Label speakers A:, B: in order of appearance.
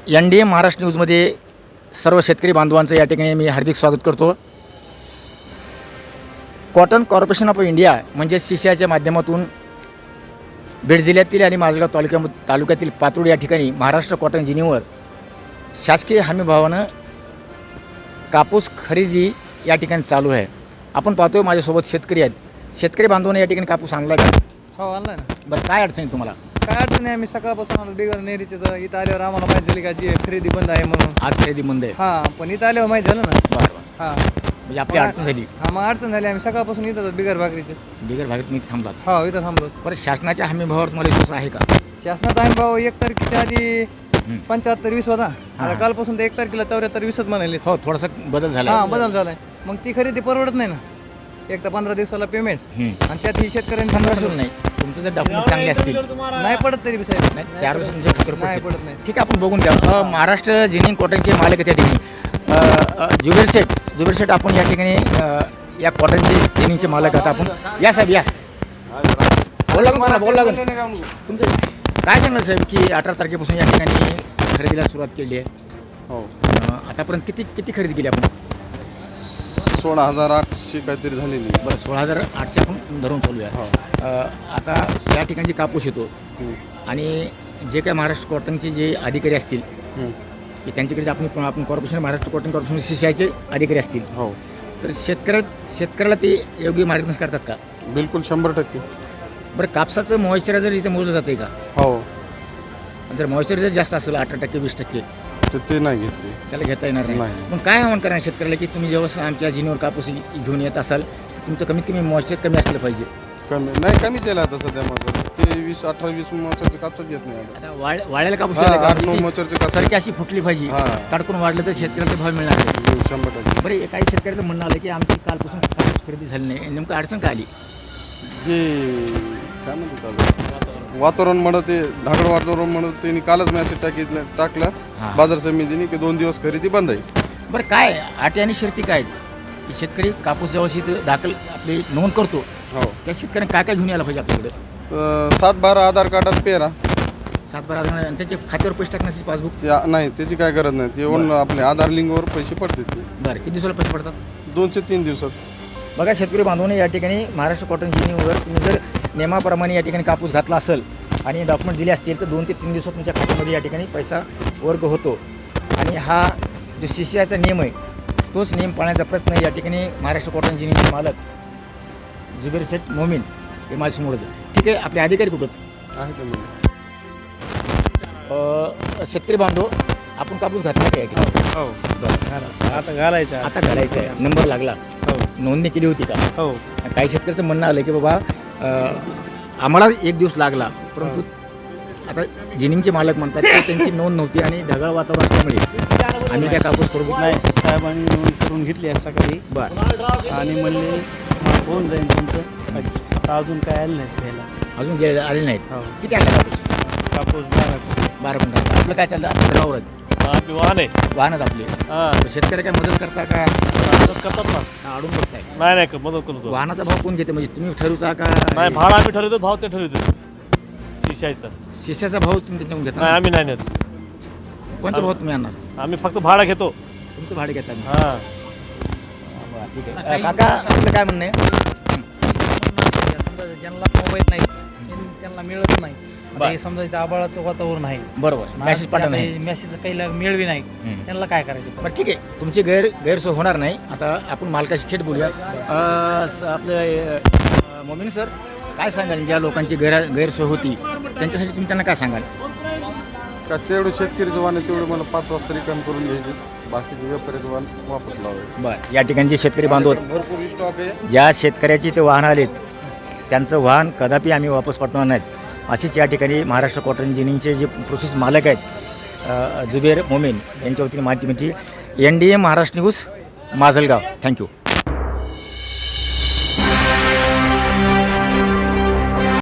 A: NDA Maharashtra न्यूजमध्ये सर्व शेतकरी बांधवांचं या ठिकाणी मी हार्दिक स्वागत करतो. कॉटन कॉर्पोरेशन ऑफ इंडिया म्हणजे CCIच्या माध्यमातून बीड जिल्ह्यातील आणि माझगाव तालुक्यातील पातूर या ठिकाणी महाराष्ट्र कॉटन जिनिंगवर शासकीय हमीभावानं कापूस खरेदी या ठिकाणी चालू आहे. आपण पाहतोय माझ्यासोबत शेतकरी आहेत. शेतकरी बांधवांना या ठिकाणी कापूस आणला का?
B: हो आणलाय ना.
A: बरं, काय अडचण आहे तुम्हाला?
B: काय अडचण नाही. आम्ही सकाळपासून आलो बिगर नेरीचे तर इथं आल्यावर आम्हाला माहिती झाली का जी खरेदी बंद आहे म्हणून.
A: आज खरेदी बंद आहे.
B: हां पण इथं आल्यावर माहिती झालं ना.
A: बरं,
B: हां
A: म्हणजे आपली अडचण झाली.
B: हां मग अडचण झाली. आम्ही सकाळपासून इथं बिगर भाकरीचे
A: बिगर भागात मी थांबलात.
B: हो इथं थांबलो.
A: बरं, शासनाच्या हमीभावावर तुम्हाला विश्वास आहे का?
B: शासनाचा आम्ही भाऊ 1 तारखेच्या आधी 75-20 होता. आता कालपासून ते 1 तारखेला 74-20 म्हणाले.
A: हो, थोडासा बदल झाला.
B: हां बदल झालाय. मग ती खरेदी परवडत नाही ना. एक तर 15 दिवसाला पेमेंट आणि त्यात ही शेतकऱ्यांनी
A: 15 नाही. तुमचं जर डॉक्युमेंट चांगले असतील
B: नाही पडत तरी बी साहेब.
A: नाही, 4 वर्ष तुमच्या खात्यावर
B: नाही
A: पडतील.
B: पडत नाही.
A: ठीक आहे, आपण बघून घ्या. महाराष्ट्र जिनिंग कॉटनचे मालक त्या ठिकाणी जुबेर शेठ आपण या ठिकाणी या कॉटनचे जिनिंगचे मालक आहात. आपण या साहेब या. बोल लागून तुमचं काय सांगणार साहेब की 18 तारखेपासून या ठिकाणी खरेदीला सुरुवात केली आहे.
C: हो,
A: आतापर्यंत किती खरेदी केली आपण?
C: 16,800 काहीतरी झालेली.
A: बरं, 16,800 आपण धरून चालू आहे. आता त्या ठिकाणी जे कापूस येतो आणि जे काय महाराष्ट्र कॉटनचे जे अधिकारी असतील की त्यांच्याकडे आपण कॉर्पोरेशन महाराष्ट्र कॉटन कॉर्पोरेशन CCIचे अधिकारी असतील.
C: हो,
A: तर शेतकऱ्याला ते योग्य मार्गदर्शन करतात का?
C: बिलकुल 100%.
A: बरं, कापसाचं मॉइश्चरायझर इथे मोजलं जातं का?
C: हो,
A: जर मॉइश्चरायझर जास्त असेल 18% 20%
C: ते नाही घेतली.
A: त्याला घेता येणार नाही.
C: नाही.
A: मग काय आव्हान करणार शेतकऱ्याला की तुम्ही जेव्हा आमच्या जिनीवर कापूस घेऊन येत असाल तुमचं कमीत कमी मॉइश्चर कमी असलं पाहिजे.
C: कमी केलं आता सध्या मग ते 18-20 मोचरचे कापसात येत नाही.
A: आता वाळ्याला कापूस
C: हा,
A: आला का?
C: 8-9 मोचरचे कापूस.
A: सारखी अशी फुटली पाहिजे.
C: हा.
A: तडकून वाढलं तर शेतकऱ्याला भाव मिळणार नाही.
C: 100%.
A: बरं, काही शेतकऱ्याचं म्हणणं आलं की आमची कालपासून कापूस खरेदी झाली नाही. नेमकं अडचण का आली?
C: जे काय म्हणतात वातावरण म्हणत ते ढाकळ वातावरण म्हणत त्यांनी कालच मेसेज टाकला
A: हां.
C: बाजार समितीने की 2 दिवस खरेदी बंद आहे.
A: बरं, काय अटी आणि शर्ती काय आहेत की शेतकरी कापूस जेव्हा दाखल आपली नोंद करतो
C: हो,
A: त्या शेतकऱ्यांनी काय जुनी यायला पाहिजे आपल्याकडे?
C: 7-12 आधार कार्डात पेरा.
A: 7-12 आणि त्याचे खात्यावर पैसे टाकण्याची पासबुक?
C: नाही, त्याची काय गरज नाही. ते येऊन आपले आधार लिंकवर पैसे पडतात. ते
A: बरं, किती दिवसाला पैसे पडतात?
C: 2 ते 3 दिवसात.
A: बघा शेतकरी बांधवांनी या ठिकाणी महाराष्ट्र कॉटन जिनिंगवर तुम्ही जर नियमाप्रमाणे या ठिकाणी कापूस घातला असेल आणि डॉक्युमेंट दिले असतील तर 2 ते 3 दिवसात तुमच्या खात्यामध्ये या ठिकाणी पैसा वर्ग होतो. आणि हा जो CCIचा नियम आहे तोच नियम पाळण्याचा प्रयत्न या ठिकाणी महाराष्ट्र कॉटन जिनिंगचे मालक जुबेर शेठ मोमीन हे माझ्यासमोर होते. ठीक आहे, आपले अधिकारी कुठं
C: आहे ते म्हणजे
A: शेतकरी बांधव आपण कापूस घातला काय?
B: हो
A: बरं,
B: आता घालायचं.
A: आता घालायचं आहे. नंबर लागला,
B: हो
A: नोंदणी केली होती का?
B: हो
A: काही शेतकऱ्याचं म्हणणं आलं की बाबा आम्हाला 1 दिवस लागला, परंतु आता जिनिंगचे मालक म्हणतात की त्यांची नोंद नव्हती आणि ढगाळ वातावरण असल्यामुळे आम्ही काय कापूस करू
B: नाही. साहेबांनी नोंद करून घेतली आहे सकाळी.
A: बरं,
B: आणि म्हणले होऊन जाईल तुमचं. आता अजून काय आलं नाही घ्यायला.
A: अजून आले नाहीत.
B: हो.
A: किती आणला कापूस?
B: कापूस
A: 12 क्विंटल. आपलं काय चाललं? आपलं गावावर आहेत.
B: आपली वाहन आहे.
A: वाहनात आपले
B: हां
A: तर शेतकरी काय मदत करता का?
B: मदत करतात ना.
A: का अडून बघताय?
B: नाही मदत करतो.
A: वाहनाचा भाव कोण घेते? म्हणजे तुम्ही ठरवता का?
B: नाही, भाडा आम्ही ठरवतो. भाव ते ठरवतो. CCIचा.
A: शिष्याचा भाव तुम्ही त्याच्याकडून घेता?
B: नाही आम्ही नाही नेत.
A: कोणता भाव तुम्ही आणणार?
B: आम्ही फक्त भाडा घेतो.
A: तुमचं भाडे घेता?
B: हां
A: बरं, ठीक आहे. काका आपलं काय म्हणणं आहे?
D: समजा ज्यांना मोबाईल नाही त्यांना मिळत नाही. आता हे समजा इथं आबाळाचं वातावरण आहे.
A: बरोबर, मेसेज पाठवणं नाही.
D: मेसेज काही मिळवी नाही. त्यांना काय करायचं?
A: बरं, ठीक आहे, तुमची गैरसोय होणार नाही. आता आपण मालकाशी थेट बोलूया. आपलं मोमीन सर, काय सांगाल ज्या लोकांची गैरसोय होती त्यांच्यासाठी तुम्ही त्यांना काय सांगाल?
C: का तेवढे शेतकरीचं वाहन आहे तेवढे मला 5 वाजता रिटर्न करून घ्यायचे. बाकीचे व्यापाऱ्याचं वाहन वापस लावायचं.
A: बरं, या ठिकाणी जे शेतकरी बांधव
C: भरपूर स्टॉक आहे.
A: ज्या शेतकऱ्याची ते वाहन आलेत त्यांचं वाहन कदापि आम्ही वापस पाठवणार नाहीत. अशीच या ठिकाणी महाराष्ट्र कॉटन जिनिंगचे जे प्रोसेस मालक आहेत जुबेर मोमीन यांच्या वतीने माहिती मिळते. NDA Maharashtra news, Majalgaon. Thank you.